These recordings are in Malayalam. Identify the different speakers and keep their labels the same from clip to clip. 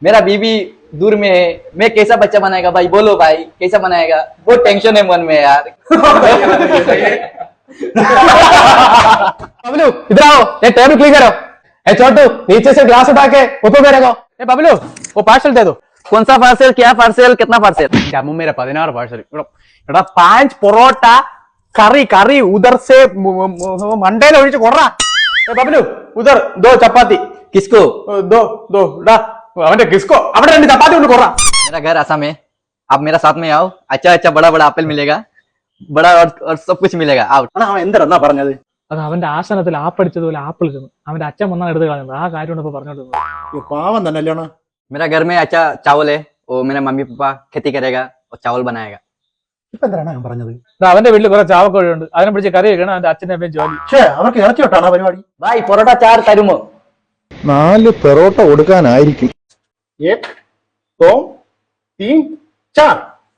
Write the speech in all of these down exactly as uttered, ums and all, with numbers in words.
Speaker 1: मेरा बीवी दूर में है, मैं कैसा बच्चा बनाएगा भाई, बोलो भाई कैसा बनाएगा, बहुत टेंशन है मन में यार।
Speaker 2: बबलू इधर आओ, ये टेबल क्लीन करो। ए छोटू नीचे से ग्लास उठा के ऊपर में रखो। ए बबलू वो पार्सल दे दो।
Speaker 1: कौन सा पार्सल, क्या पार्सल, कितना पार्सल?
Speaker 2: क्या मुंह मेरा पदिनाറ് पार्सल एടാ पांच പൊറോട്ട കറി കറി ഉദർ से मंडेल ഒഴിച്ച് കൊറ। ए बबलू उधर दो चपाती।
Speaker 1: किसको?
Speaker 2: दो दो ഡാ അവന്റെ കിസ്കോ അവിടെ രണ്ട് ചപ്പാത്തി കൊണ്ട് കൊറ।
Speaker 1: मेरा घर आसाम है, आप मेरा साथ में आओ, अच्छा अच्छा बड़ा बड़ा एप्पल मिलेगा, बड़ा और, और सब कुछ मिलेगा। आओ।
Speaker 2: അവൻ എന്തെന്നാ പറഞ്ഞത്? അത് അവന്റെ ആസനത്തിൽ ആപ്പടിച്ചതുപോലെ ആപ്പിൾ തിന്നു. അവന്റെ അച്ഛൻ വന്നാണ് എടുത്ത് കളഞ്ഞത്. ആ കാര്യമാണ് ഇപ്പൊ പറഞ്ഞോണ്ടിരുന്നത്.
Speaker 3: പാവം തന്നെ അല്ലേണോ?
Speaker 1: मेरा घर में अच्छा चावल है, वो मेरा मम्मी पापा खेती करेगा और चावल बनाएगा।
Speaker 3: ഇപ്പൊ എന്താണ് ഞാൻ പറഞ്ഞത്?
Speaker 2: അവന്റെ വീട്ടിൽ കുറെ ചാവക്കോഴിയുണ്ട്, അതിനെ പിടിച്ച് കറി വെക്കണം. അവന്റെ അച്ഛന്റെ അമ്മയും ജോലി.
Speaker 3: പക്ഷേ അവർക്ക് ഇറച്ചി തൊട്ടാണ് പരിപാടി.
Speaker 1: भाई പൊറോട്ട चार തരുമോ?
Speaker 4: നാല് പെറോട്ട കൊടുക്കാനായിരിക്കും.
Speaker 3: एक दो तीन चार.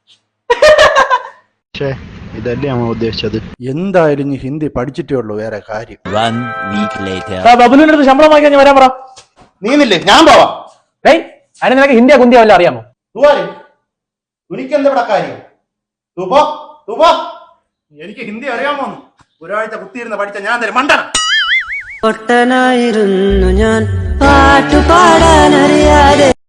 Speaker 4: ഇതല്ലേ നമ്മൾ ഉദ്ദേശിച്ചത്.
Speaker 3: എന്തായാലും ഈ ഹിന്ദി പഠിച്ചിട്ടേ ഉള്ളൂ, വേറെ കാര്യം.
Speaker 2: ബബുലിന്റെ അടുത്ത് ശമ്പളം വാങ്ങിക്കാൻ ഞാൻ വരാൻ പറ.
Speaker 3: നീന്നില്ലേ? ഞാൻ പോവാം.
Speaker 2: ഏയ് അതിന് നിനക്ക് ഹിന്ദിയാ കുന്തിയാ വല്ല അറിയാമോ?
Speaker 3: എനിക്കെന്താ ഇവിടെ കാര്യം? തൂ പോ, തൂ പോ. എനിക്ക് ഹിന്ദി അറിയാമോ? ഒരാഴ്ച കുത്തിയിരുന്ന് പഠിച്ച ഞാൻ തരും മണ്ടന.
Speaker 5: പൊട്ടനായിരുന്നു ഞാൻ പാട്ടുപാടാനറിയാതെ